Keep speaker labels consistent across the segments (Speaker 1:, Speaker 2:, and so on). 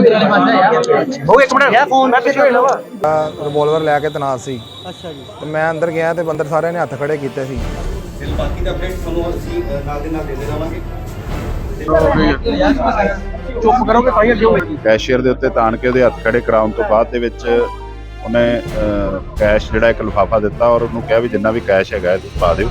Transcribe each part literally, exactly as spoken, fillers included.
Speaker 1: ਉਹ ਇੱਕ ਮਿੰਟ ਯਾ ਫੋਨ ਮੈਂ ਪਿੱਛੇ ਹੋਣਾ ਵਾ
Speaker 2: ਰਿਵੋਲਵਰ ਲੈ ਕੇ ਤਨਾਤ ਸੀ।
Speaker 3: ਅੱਛਾ ਜੀ।
Speaker 2: ਤੇ ਮੈਂ ਅੰਦਰ ਗਿਆ ਤੇ ਬੰਦਰ ਸਾਰਿਆਂ ਨੇ ਹੱਥ ਖੜੇ ਕੀਤੇ ਸੀ।
Speaker 4: ਬਾਕੀ ਦਾ ਅਪਡੇਟ ਤੁਹਾਨੂੰ ਅਸੀਂ ਨਾਲ ਦੇ ਨਾਲ ਦਿੰਦੇ ਰਹਾਂਗੇ।
Speaker 1: ਚੁੱਪ ਕਰੋਗੇ ਤਾਂ ਹੀ ਅੱਗੇ ਹੋਵੇਗੀ।
Speaker 5: ਕੈਸ਼ੀਅਰ ਦੇ ਉੱਤੇ ਤਾਣ ਕੇ ਉਹਦੇ ਹੱਥ ਖੜੇ ਕਰਾਉਣ ਤੋਂ ਬਾਅਦ ਦੇ ਵਿੱਚ ਉਹਨੇ ਕੈਸ਼ ਜਿਹੜਾ ਇੱਕ ਲਿਫਾਫਾ ਦਿੱਤਾ ਔਰ ਉਹਨੂੰ ਕਿਹਾ ਵੀ ਜਿੰਨਾ ਵੀ ਕੈਸ਼ ਹੈਗਾ ਪਾ ਦਿਓ।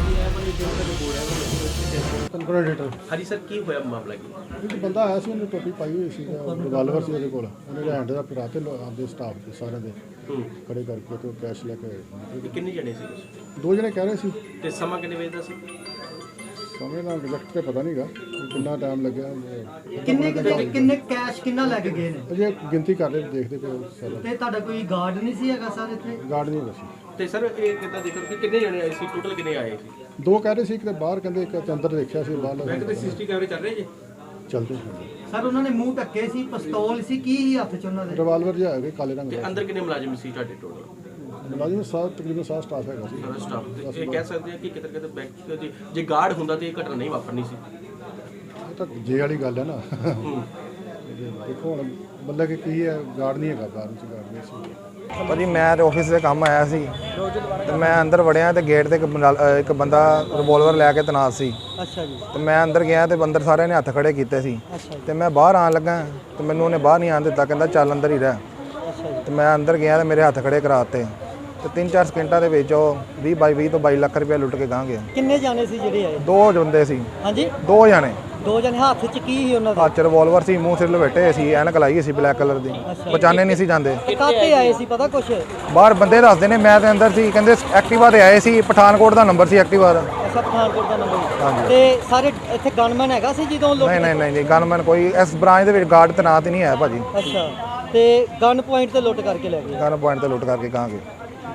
Speaker 1: ਹਾਂਜੀ ਸਰ, ਕੀ ਹੋਇਆ ਮਾਮਲਾ ਕੀ?
Speaker 6: ਇੱਕ ਬੰਦਾ ਆਇਆ ਸੀ, ਉਹਨੇ ਟੋਪੀ ਪਾਈ ਹੋਈ ਸੀ, ਰਿਵਾਲਵਰ ਸੀ ਉਹਦੇ ਕੋਲ। ਉਹਨੇ ਹੈਂਡ ਦਾ ਫੜਾ ਤੇ ਆਦੇ ਸਟਾਫ ਦੇ ਸਾਰਿਆਂ ਦੇ ਖੜੇ ਕਰਕੇ ਤੇ ਕੈਸ਼ ਲੈ ਕੇ।
Speaker 1: ਕਿੰਨੇ ਜਣੇ ਸੀ ਤੁਸੀਂ?
Speaker 6: ਦੋ ਜਣੇ ਕਹਿ ਰਹੇ ਸੀ।
Speaker 1: ਤੇ ਸਮਾਂ ਕਿੰਨੇ ਵਜੇ ਦਾ ਸੀ?
Speaker 6: ਸਮੇਂ ਦਾ ਐਗਜ਼ੈਕਟ ਤੇ ਪਤਾ ਨਹੀਂਗਾ ਕਿੰਨਾ ਟਾਈਮ ਲੱਗਿਆ।
Speaker 3: ਕਿੰਨੇ ਕਿੰਨੇ ਕੈਸ਼ ਕਿੰਨਾ ਲੈ ਕੇ ਗਏ ਨੇ?
Speaker 6: ਅਜੇ ਗਿਣਤੀ ਕਰ ਰਹੇ, ਦੇਖਦੇ ਪਏ ਸਾਰਾ।
Speaker 3: ਤੇ ਤੁਹਾਡਾ ਕੋਈ ਗਾਰਡ ਨਹੀਂ ਸੀ ਹੈਗਾ ਸਰ ਇੱਥੇ?
Speaker 6: ਗਾਰਡ ਨਹੀਂ ਹੈਗਾ ਸੀ।
Speaker 1: ਤੇ ਸਰ ਇਹ ਕਿੱਦਾਂ ਦੇਖੋ ਕਿ ਕਿੰਨੇ ਜਣੇ ਆਏ ਸੀ, ਟੋਟਲ ਕਿੰਨੇ ਆਏ ਸੀ?
Speaker 6: ਦੋ ਕਹਿ ਰਹੇ ਸੀ, ਇੱਕ ਤੇ ਬਾਹਰ ਕਹਿੰਦੇ, ਇੱਕ ਤੇ ਅੰਦਰ ਦੇਖਿਆ ਸੀ ਬਾਹਰ।
Speaker 1: ਬੈਂਕ ਦੇ ਸੀਸੀਟੀ ਕੈਮਰੇ ਚੱਲ ਰਹੇ ਜੀ?
Speaker 6: ਚੱਲਦੇ
Speaker 3: ਸਰ ਉਹਨਾਂ ਨੇ ਮੂੰਹ ਢੱਕੇ ਸੀ, ਪਿਸਤੌਲ ਸੀ, ਕੀ ਸੀ ਹੱਥ 'ਚ ਉਹਨਾਂ ਦੇ?
Speaker 6: ਰਿਵਾਲਵਰ ਜਿਹਾ ਹੈਗਾ ਕਾਲੇ ਰੰਗ
Speaker 1: ਤੇ
Speaker 6: ਦਾ।
Speaker 1: ਅੰਦਰ ਕਿੰਨੇ ਮੁਲਾਜ਼ਮ ਸੀ ਤੁਹਾਡੇ ਟੋਟਲ?
Speaker 6: ਮੁਲਾਜ਼ਮ ਸਾਹਿਬ ਤਕਰੀਬਨ ਸਾਰਾ ਸਟਾਫ ਹੈਗਾ ਸੀ।
Speaker 1: ਸਾਰਾ ਸਟਾਫ। ਇਹ ਕਹਿ ਸਕਦੇ ਆ ਕਿ ਕਿਤੇ ਕਿਤੇ ਬੈਂਕ ਜੇ ਜੇ ਗਾਰਡ ਹੁੰਦਾ ਤੇ ਇਹ ਘਟਨਾ ਨਹੀਂ ਵਾਪਰਨੀ ਸੀ।
Speaker 6: ਇਹ ਤਾਂ ਜੇ ਵਾਲੀ ਗੱਲ ਹੈ ਨਾ। ਦੇਖੋ ਹੁਣ ਮਤਲਬ ਕਿ ਕੀ ਹੈ, ਗਾਰਡ ਨਹੀਂ ਹੈਗਾ ਬਾਹਰ ਵਿੱਚ, ਗਾਰਡ ਨਹੀਂ ਸੀ।
Speaker 2: ਭਾਜੀ ਮੈਂ ਤੇ ਆਫਿਸ ਦੇ ਕੰਮ ਆਇਆ ਸੀ ਤੇ ਮੈਂ ਅੰਦਰ ਵੜਿਆ ਤੇ ਗੇਟ ਤੇ ਇੱਕ ਬੰਦਾ ਇੱਕ ਬੰਦਾ ਰਿਵੋਲਵਰ ਲੈ ਕੇ ਤਨਾਤ ਸੀ।
Speaker 3: ਅੱਛਾ ਜੀ।
Speaker 2: ਤੇ ਮੈਂ ਅੰਦਰ ਗਿਆ ਤੇ ਬੰਦਰ ਸਾਰਿਆਂ ਨੇ ਹੱਥ ਖੜੇ ਕੀਤੇ ਸੀ।
Speaker 3: ਅੱਛਾ ਜੀ।
Speaker 2: ਤੇ ਮੈਂ ਬਾਹਰ ਆਣ ਲੱਗਾ ਤੇ ਮੈਨੂੰ ਉਹਨੇ ਬਾਹਰ ਨਹੀਂ ਆਣ ਦਿੱਤਾ, ਕਹਿੰਦਾ ਚੱਲ ਅੰਦਰ ਹੀ ਰਹਿ।
Speaker 3: ਅੱਛਾ ਜੀ।
Speaker 2: ਤੇ ਮੈਂ ਅੰਦਰ ਗਿਆ ਤੇ ਮੇਰੇ ਹੱਥ ਖੜੇ ਕਰਾਤੇ ਤੇ ਤਿੰਨ ਚਾਰ ਸਕਿੰਟਾਂ ਦੇ ਵਿੱਚ ਉਹ ਵੀਹ ਬਾਈ ਵੀਹ ਤੋਂ ਬਾਈ ਲੱਖ ਰੁਪਏ ਲੁੱਟ ਕੇ ਗਾਂ ਗਿਆ।
Speaker 3: ਕਿੰਨੇ ਜਾਣੇ ਸੀ ਜਿਹੜੇ ਆਏ?
Speaker 2: ਦੋ ਬੰਦੇ ਸੀ।
Speaker 3: ਹਾਂਜੀ,
Speaker 2: ਦੋ ਜਾਣੇ।
Speaker 3: ਦੋ ਜਣੇ ਹੱਥ 'ਚ ਕੀ ਸੀ ਉਹਨਾਂ ਦੇ?
Speaker 2: ਹੱਥ 'ਚ ਰਿਵੋਲਵਰ ਸੀ, ਮੂੰਹ ਸਿਰ ਲਪੇਟੇ ਸੀ, ਐਨਕ ਲਾਈ ਸੀ ਬਲੈਕ ਕਲਰ ਦੀ, ਪਛਾਣੇ ਨਹੀਂ ਸੀ ਜਾਂਦੇ।
Speaker 3: ਕਾਹਤੇ ਆਏ ਸੀ ਪਤਾ ਕੁਛ?
Speaker 2: ਬਾਹਰ ਬੰਦੇ ਦੱਸਦੇ ਨੇ, ਮੈਂ ਤੇ ਅੰਦਰ ਸੀ। ਕਹਿੰਦੇ ਐਕਟਿਵਾ ਤੇ ਆਏ ਸੀ, ਪਠਾਨਕੋਟ ਦਾ ਨੰਬਰ ਸੀ ਐਕਟਿਵਾ ਦਾ।
Speaker 3: ਅੱਛਾ, ਪਠਾਨਕੋਟ ਦਾ ਨੰਬਰ।
Speaker 2: ਹਾਂਜੀ।
Speaker 3: ਤੇ ਸਾਰੇ ਇੱਥੇ ਗਨਮੈਨ ਹੈਗਾ ਸੀ ਜਦੋਂ ਲੋਕ?
Speaker 2: ਨਹੀਂ ਨਹੀਂ ਨਹੀਂ ਨਹੀਂ ਗਨਮੈਨ ਕੋਈ ਇਸ ਬ੍ਰਾਂਚ ਦੇ ਵਿੱਚ ਗਾਰਡ ਤੈਨਾਤ ਹੀ ਨਹੀਂ ਹੈ ਭਾਜੀ।
Speaker 3: ਅੱਛਾ, ਤੇ ਗਨ ਪੁਆਇੰਟ ਤੇ ਲੁੱਟ ਕਰਕੇ ਲੈ ਗਏ?
Speaker 2: ਗਨ ਪੁਆਇੰਟ ਤੇ ਲੁੱਟ ਕਰਕੇ ਗਾਂ ਗਏ।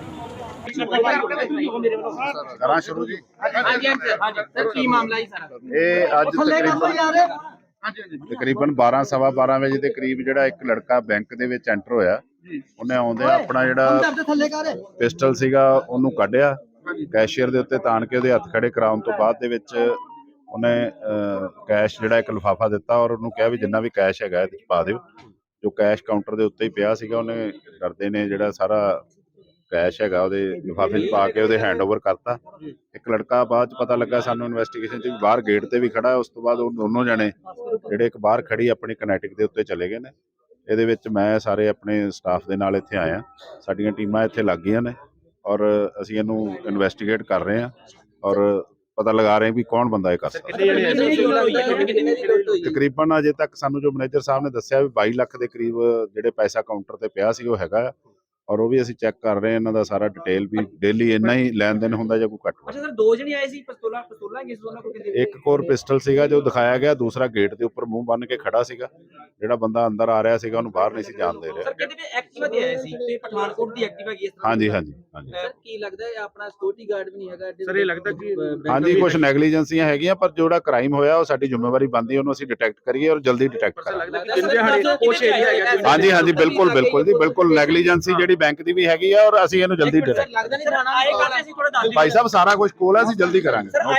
Speaker 5: ਕਰਾਂ ਸ਼ੁਰੂ ਜੀ।
Speaker 1: ਹਾਂਜੀ ਹਾਂਜੀ ਸਰ, ਕੀ ਮਾਮਲਾ ਹੈ ਸਾਰਾ?
Speaker 5: ਇਹ ਅੱਜ ਤਕਰੀਬਨ ਤਕਰੀਬਨ ਬਾਰਾਂ ਸਵਾ ਬਾਰਾਂ ਵਜੇ ਦੇ ਕਰੀਬ ਜਿਹੜਾ ਇੱਕ ਲੜਕਾ ਬੈਂਕ ਦੇ ਵਿੱਚ ਐਂਟਰ ਹੋਇਆ। ਉਹਨੇ ਆਉਂਦੇ ਆਪਣਾ ਜਿਹੜਾ ਪਿਸਟਲ ਸੀਗਾ ਉਹਨੂੰ ਕੱਢਿਆ, ਕੈਸ਼ੀਅਰ ਦੇ ਉੱਤੇ ਤਾਣ ਕੇ ਉਹਦੇ ਹੱਥ ਖੜੇ ਕਰਾਉਣ ਤੋਂ ਬਾਅਦ ਦੇ ਵਿੱਚ ਉਹਨੇ ਕੈਸ਼ ਜਿਹੜਾ ਇੱਕ ਲਿਫਾਫਾ ਦਿੱਤਾ ਔਰ ਉਹਨੂੰ ਕਿਹਾ ਵੀ ਜਿੰਨਾ ਵੀ ਕੈਸ਼ ਹੈਗਾ ਇਹਦੇ 'ਚ ਪਾ ਦਿਓ। ਜੋ ਕੈਸ਼ ਕਾਊਂਟਰ ਦੇ ਉੱਤੇ ਹੀ ਪਿਆ ਸੀਗਾ, ਉਹਨੇ ਕਰਦੇ ਨੇ ਜਿਹੜਾ ਸਾਰਾ ਕੈਸ਼ ਹੈਗਾ ਉਹਦੇ ਲਿਫਾਫੇ 'ਚ ਪਾ ਕੇ ਉਹਦੇ ਹੈਂਡਓਵਰ ਕਰਤਾ। ਇੱਕ ਲੜਕਾ ਬਾਅਦ 'ਚ ਪਤਾ ਲੱਗਾ ਸਾਨੂੰ ਇਨਵੈਸਟੀਗੇਸ਼ਨ 'ਚ ਬਾਹਰ ਗੇਟ ਤੇ ਵੀ ਖੜਾ। ਉਸ ਤੋਂ ਬਾਅਦ ਉਹ ਦੋਨੋਂ ਜਣੇ ਜਿਹੜੇ ਇੱਕ ਬਾਹਰ ਖੜੀ ਆਪਣੀ ਕਨੈਟਿਕ ਦੇ ਉੱਤੇ ਚਲੇ ਗਏ ਨੇ। ਇਹਦੇ ਵਿੱਚ ਮੈਂ ਸਾਰੇ ਆਪਣੇ ਸਟਾਫ ਦੇ ਨਾਲ ਇੱਥੇ ਆਇਆ, ਸਾਡੀਆਂ ਟੀਮਾਂ ਇੱਥੇ ਲੱਗ ਗਈਆਂ ਨੇ ਔਰ ਅਸੀਂ ਇਹਨੂੰ ਇਨਵੈਸਟੀਗੇਟ ਕਰ ਰਹੇ ਹਾਂ ਔਰ ਪਤਾ ਲਗਾ ਰਹੇ ਵੀ ਕੌਣ ਬੰਦਾ ਇਹ ਕਰ ਸਕਦਾ। ਤਕਰੀਬਨ ਅਜੇ ਤੱਕ ਸਾਨੂੰ ਜੋ ਮੈਨੇਜਰ ਸਾਹਿਬ ਨੇ ਦੱਸਿਆ ਵੀ ਬਾਈ ਲੱਖ ਦੇ ਕਰੀਬ ਜਿਹੜੇ ਪੈਸਾ ਕਾਊਂਟਰ ਤੇ ਪਿਆ ਸੀ ਉਹ ਹੈਗਾ ਔਰ ਉਹ ਵੀ ਅਸੀਂ ਚੈੱਕ ਕਰ ਰਹੇ ਹਾਂ। ਇਹਨਾਂ ਦਾ ਸਾਰਾ ਡਿਟੇਲ ਵੀ ਡੇਲੀ ਇੰਨਾ ਹੀ ਲੈਣ ਦੇਣ ਹੁੰਦਾ ਜਾਂ ਕੋਈ ਘੱਟ।
Speaker 1: ਅੱਛਾ ਸਰ, ਦੋ ਜਣੇ ਆਏ ਸੀ, ਪਿਸਤੌਲਾਂ ਪਿਸਤੌਲਾਂ ਕਿਸ ਦੋਨਾਂ ਕੋਲ?
Speaker 5: ਇੱਕ ਕੋਰ ਪਿਸਟਲ ਸੀਗਾ ਜੋ ਦਿਖਾਇਆ ਗਿਆ, ਦੂਸਰਾ ਗੇਟ ਦੇ ਉੱਪਰ ਮੂੰਹ ਬੰਨ ਕੇ ਖੜਾ ਸੀਗਾ। ਜਿਹੜਾ ਬੰਦਾ ਅੰਦਰ ਆ ਰਿਹਾ ਸੀਗਾ ਉਹਨੂੰ ਬਾਹਰ ਨਹੀਂ ਸੀ ਜਾਣ ਦੇ ਰਿਹਾ।
Speaker 1: ਸਰ ਕਹਿੰਦੇ ਵੀ ਐਕਟਿਵਾ ਤੇ ਆਏ ਸੀ ਤੇ ਪਠਾਨਕੋਟ ਦੀ ਐਕਟਿਵਾ ਕੀ ਇਸ ਤਰ੍ਹਾਂ?
Speaker 5: ਹਾਂਜੀ ਹਾਂਜੀ ਹਾਂਜੀ
Speaker 1: ਸਰ ਕੀ ਲੱਗਦਾ ਹੈ ਆਪਣਾ ਸਿਕਿਉਰਿਟੀ ਗਾਰਡ ਵੀ ਨਹੀਂ ਹੈਗਾ ਸਰ? ਇਹ ਲੱਗਦਾ ਕਿ
Speaker 5: ਹਾਂਜੀ ਕੁਝ ਨੈਗਲੀਜੈਂਸੀਆਂ ਹੈਗੀਆਂ, ਪਰ ਜਿਹੜਾ ਕ੍ਰਾਈਮ ਹੋਇਆ ਉਹ ਸਾਡੀ ਜ਼ਿੰਮੇਵਾਰੀ ਬਣਦੀ, ਉਹਨੂੰ ਅਸੀਂ ਡਿਟੈਕਟ ਕਰੀਏ ਔਰ ਜਲਦੀ ਡਿਟੈਕਟ ਕਰਾਂਗੇ। ਹਾਂਜੀ ਹਾਂਜੀ ਬਿਲਕੁਲ ਬਿਲਕੁਲ ਜੀ, ਬਿਲਕੁਲ ਨੈਗਲੀਜੈਂਸੀ ਜਿਹੜੀ ਬੈਂਕ ਦੀ ਵੀ ਹੈਗੀ ਆ ਔਰ ਅਸੀਂ ਇਹਨੂੰ ਜਲਦੀ ਡਿਟੈਕਟ।
Speaker 1: ਲੱਗਦਾ ਨਹੀਂ ਥਾਣਾ ਆਏ ਕਰਦੇ ਸੀ ਥੋੜਾ ਦੱਸ ਦਿਓ
Speaker 5: ਭਾਈ ਸਾਹਿਬ ਸਾਰਾ ਕੁਝ ਕੋਲ ਹੈ, ਅਸੀਂ ਜਲਦੀ ਕਰਾਂਗੇ।